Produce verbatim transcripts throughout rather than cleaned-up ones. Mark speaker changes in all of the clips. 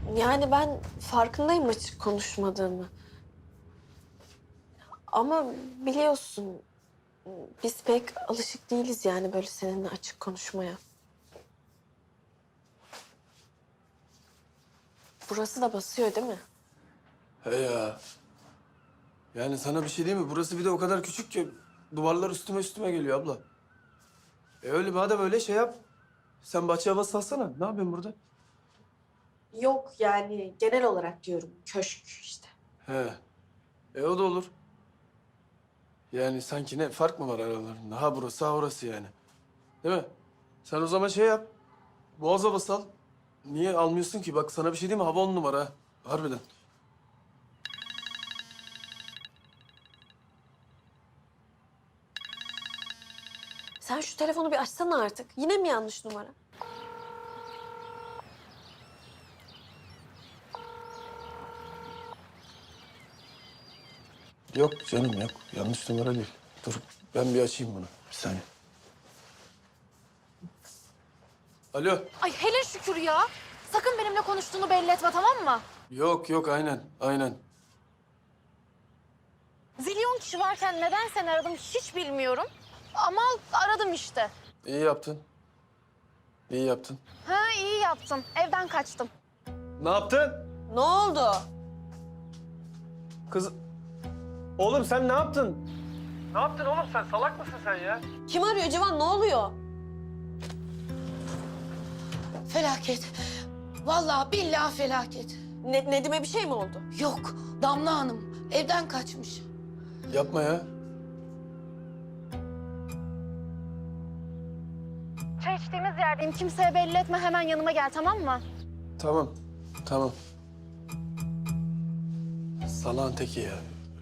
Speaker 1: Yani ben farkındayım açık konuşmadığımı. Ama biliyorsun biz pek alışık değiliz yani böyle seninle açık konuşmaya. Burası da basıyor değil mi?
Speaker 2: He ya. Yani sana bir şey diyeyim mi? Burası bir de o kadar küçük ki duvarlar üstüme üstüme geliyor abla. E öyle madem öyle şey yap. Sen bahçe havası salsana. Ne yapıyorsun burada?
Speaker 1: Yok yani genel olarak diyorum köşk işte.
Speaker 2: He. E o da olur. Yani sanki ne fark mı var aralarında? Ha burası ha orası yani. Değil mi? Sen o zaman şey yap. Boğaz havası al. Niye almıyorsun ki? Bak sana bir şey diyeyim mi? Hava on numara ha. Harbiden.
Speaker 1: Sen şu telefonu bir açsana artık. Yine mi yanlış numara?
Speaker 2: Yok canım yok. Yanlış numara değil. Dur ben bir açayım bunu. Bir saniye. Alo.
Speaker 3: Ay hele şükür ya. Sakın benimle konuştuğunu belli etme, tamam mı?
Speaker 2: Yok yok aynen aynen.
Speaker 3: Zilyon kişi varken neden seni aradım hiç bilmiyorum. Ama aradım işte.
Speaker 2: İyi yaptın. İyi yaptın.
Speaker 3: Ha iyi yaptım. Evden kaçtım.
Speaker 2: Ne yaptın?
Speaker 1: Ne oldu?
Speaker 2: Kız... Oğlum sen ne yaptın? Ne yaptın oğlum sen? Salak mısın sen ya?
Speaker 1: Kim arıyor Civan? Ne oluyor?
Speaker 4: Felaket. Vallahi billahi felaket.
Speaker 1: Ne, Nedim'e bir şey mi oldu?
Speaker 4: Yok, Damla Hanım evden kaçmış.
Speaker 2: Yapma ya.
Speaker 3: Çay içtiğimiz yerdeyim. Kimseye belli etme. Hemen yanıma gel, tamam mı?
Speaker 2: Tamam. Tamam. Salağın teki ya.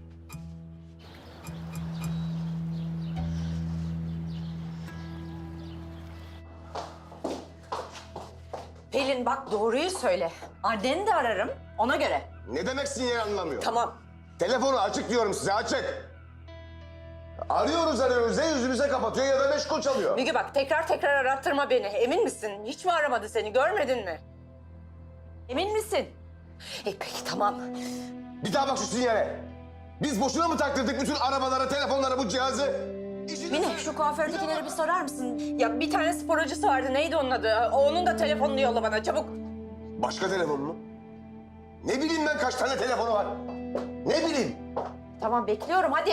Speaker 5: Pelin bak doğruyu söyle. Anneni de ararım ona göre.
Speaker 6: Ne demek sinyal anlamıyor?
Speaker 5: Tamam.
Speaker 6: Telefonu açık diyorum size, açık. Arıyoruz arıyoruz ya yüzümüze kapatıyor ya da meşgul çalıyor.
Speaker 5: Müge bak tekrar tekrar arattırma beni. Emin misin? Hiç mi aramadı seni? Görmedin mi? Emin misin? E peki tamam.
Speaker 6: Bir daha bak şu sinyale. Biz boşuna mı taktırdık bütün arabalara, telefonlara bu cihazı? İşiniz-
Speaker 5: Mine şu kuafördekileri bir sorar mısın? Ya bir tane spor hocası vardı. Neydi onun adı? Onun da telefonunu yolla bana çabuk.
Speaker 6: Başka telefon mu? Ne bileyim ben kaç tane telefonu var? Ne bileyim?
Speaker 5: Tamam bekliyorum hadi.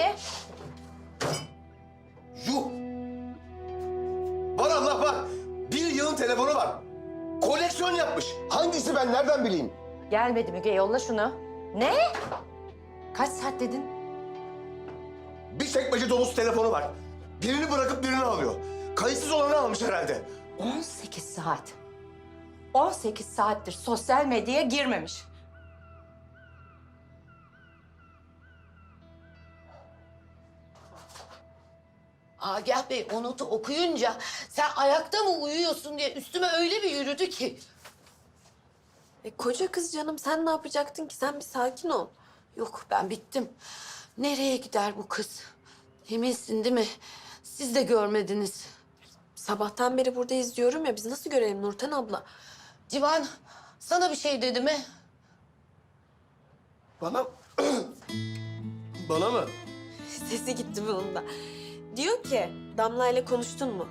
Speaker 6: Yuh! Var Allah var. Bir yılın telefonu var. Koleksiyon yapmış. Hangisi ben nereden bileyim?
Speaker 5: Gelmedi Müge yolla şunu. Ne? Kaç saat dedin?
Speaker 6: Bir çekmece dolusu telefonu var. Birini bırakıp birini alıyor. Kayıtsız olanı almış herhalde.
Speaker 5: on sekiz saat. on sekiz saattir sosyal medyaya girmemiş.
Speaker 4: Agah Bey o notu okuyunca sen ayakta mı uyuyorsun diye üstüme öyle bir yürüdü ki.
Speaker 1: E, koca kız canım sen ne yapacaktın ki? Sen bir sakin ol.
Speaker 4: Yok ben bittim. Nereye gider bu kız? Eminsin değil mi? Siz de görmediniz.
Speaker 1: Sabahtan beri burada izliyorum ya biz nasıl görelim Nurten abla?
Speaker 4: Civan sana bir şey dedi mi?
Speaker 2: Bana... Bana mı?
Speaker 1: Sesi gitti bunun da. Diyor ki Damla ile konuştun mu?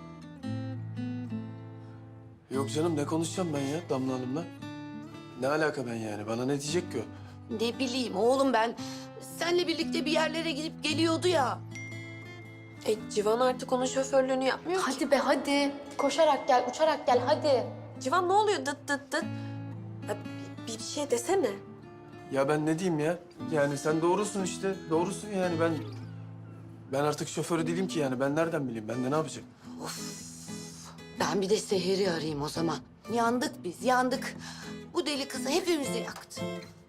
Speaker 2: Yok canım ne konuşacağım ben ya Damla Hanım'la? Ne alaka ben yani? Bana ne diyecek ki o?
Speaker 4: Ne bileyim oğlum ben seninle birlikte bir yerlere gidip geliyordu ya.
Speaker 1: E Civan artık onun şoförlüğünü yapmıyor ki.
Speaker 3: Hadi be hadi. Koşarak gel, uçarak gel hadi.
Speaker 1: Civan ne oluyor dıt dıt dıt? Ya, bir, bir şey desene.
Speaker 2: Ya ben ne diyeyim ya? Yani sen doğrusun işte. Doğrusun yani ben... Ben artık şoförü değilim ki yani. Ben nereden bileyim? Ben de ne yapacağım?
Speaker 4: Ben bir de Seher'i arayayım o zaman. Yandık biz, yandık. Bu deli kızı hepimizi yaktı.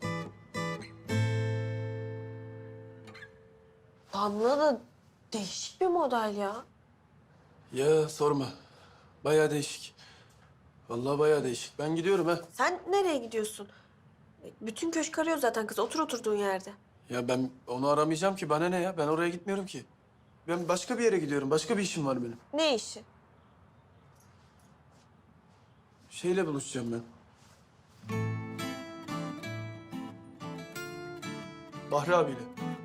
Speaker 1: Damla da değişik bir model ya.
Speaker 2: Ya sorma. Bayağı değişik. Vallahi bayağı değişik. Ben gidiyorum ha.
Speaker 1: Sen nereye gidiyorsun? E, bütün köşk arıyor zaten kız. Otur oturduğun yerde.
Speaker 2: Ya ben onu aramayacağım ki. Bana ne ya? Ben oraya gitmiyorum ki. Ben başka bir yere gidiyorum. Başka bir işim var benim.
Speaker 1: Ne işi?
Speaker 2: Şeyle buluşacağım ben. Bahri abiyle.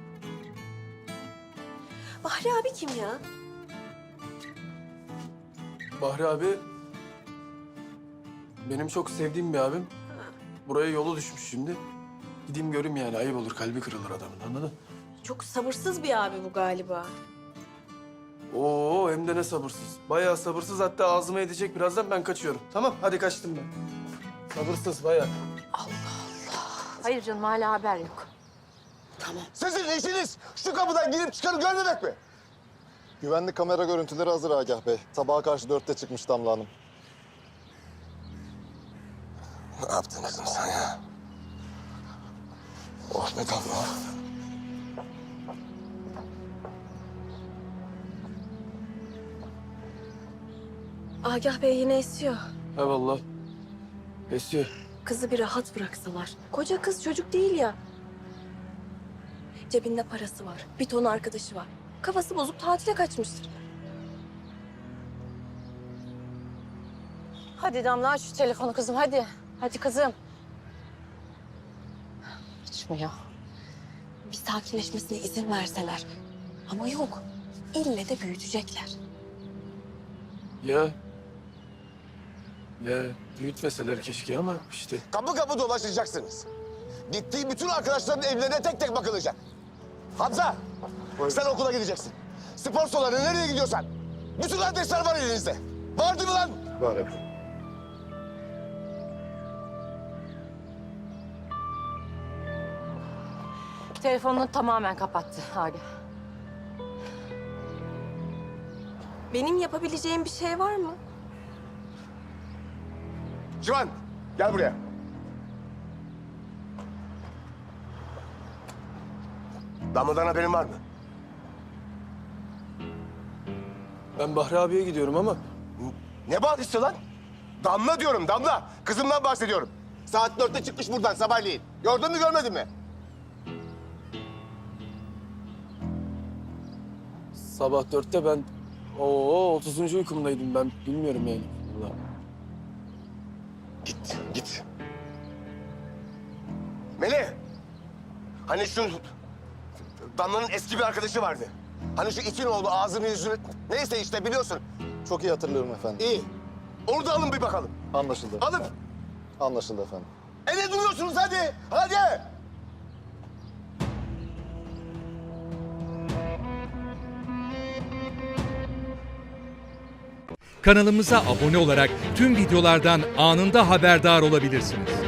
Speaker 1: Bahri abi kim ya?
Speaker 2: Bahri abi benim çok sevdiğim bir abim. Buraya yolu düşmüş şimdi. Gideyim göreyim yani, ayıp olur, kalbi kırılır adamın, anladın?
Speaker 1: Çok sabırsız bir abi bu galiba.
Speaker 2: Oo, hem de ne sabırsız. Bayağı sabırsız, hatta ağzıma edecek birazdan, ben kaçıyorum. Tamam, hadi kaçtım ben. Sabırsız bayağı.
Speaker 5: Hayır canım hala haber yok.
Speaker 6: Sizin işiniz şu kapıdan girip çıkanı görmemek mi?
Speaker 7: Güvenlik kamera görüntüleri hazır Agah Bey. Sabaha karşı dörtte çıkmış Damla Hanım.
Speaker 6: Ne yaptın kızım sen ya? Oh be Damla.
Speaker 1: Agah Bey yine esiyor.
Speaker 2: Ha vallahi. Esiyor.
Speaker 1: Kızı bir rahat bıraksalar. Koca kız çocuk değil ya. Cebinde parası var. Bir ton arkadaşı var. Kafası bozuk tatile kaçmıştır.
Speaker 5: Hadi Damla aç şu telefonu kızım hadi. Hadi kızım. Açmıyor.
Speaker 1: Bir sakinleşmesine izin verseler. Ama yok. İlle de büyütecekler.
Speaker 2: Ya. Ya büyütmeseler keşke ama işte.
Speaker 6: Kapı kapı dolaşacaksınız. Gittiği bütün arkadaşların evlerine tek tek bakılacak. Hamza, sen okula gideceksin. Spor salonu nereye gidiyorsan. Bütün adresler var elinizde. Vardı mı lan?
Speaker 7: Var efendim.
Speaker 5: Telefonunu tamamen kapattı Agah.
Speaker 1: Benim yapabileceğim bir şey var mı?
Speaker 6: Civan, gel buraya. Damla'dan haberin var mı?
Speaker 2: Ben Bahri abiye gidiyorum ama
Speaker 6: Ne bağlısı lan? Damla diyorum, Damla. Kızımdan bahsediyorum. Saat dörtte çıkmış buradan sabahleyin. Gördün mü, görmedin mi?
Speaker 2: sabah dörtte ben o otuzuncu uykumdaydım ben, bilmiyorum yani. Vallahi.
Speaker 6: Git, git. Melih! Hani şu Damla'nın eski bir arkadaşı vardı. Hani şu itin oğlu ağzını yüzünü... Neyse işte biliyorsun.
Speaker 7: Çok iyi hatırlıyorum efendim.
Speaker 6: İyi. Onu da alın bir bakalım.
Speaker 7: Anlaşıldı.
Speaker 6: Alın.
Speaker 7: Anlaşıldı efendim.
Speaker 6: E ne duruyorsunuz hadi? Hadi!
Speaker 8: Kanalımıza abone olarak tüm videolardan anında haberdar olabilirsiniz.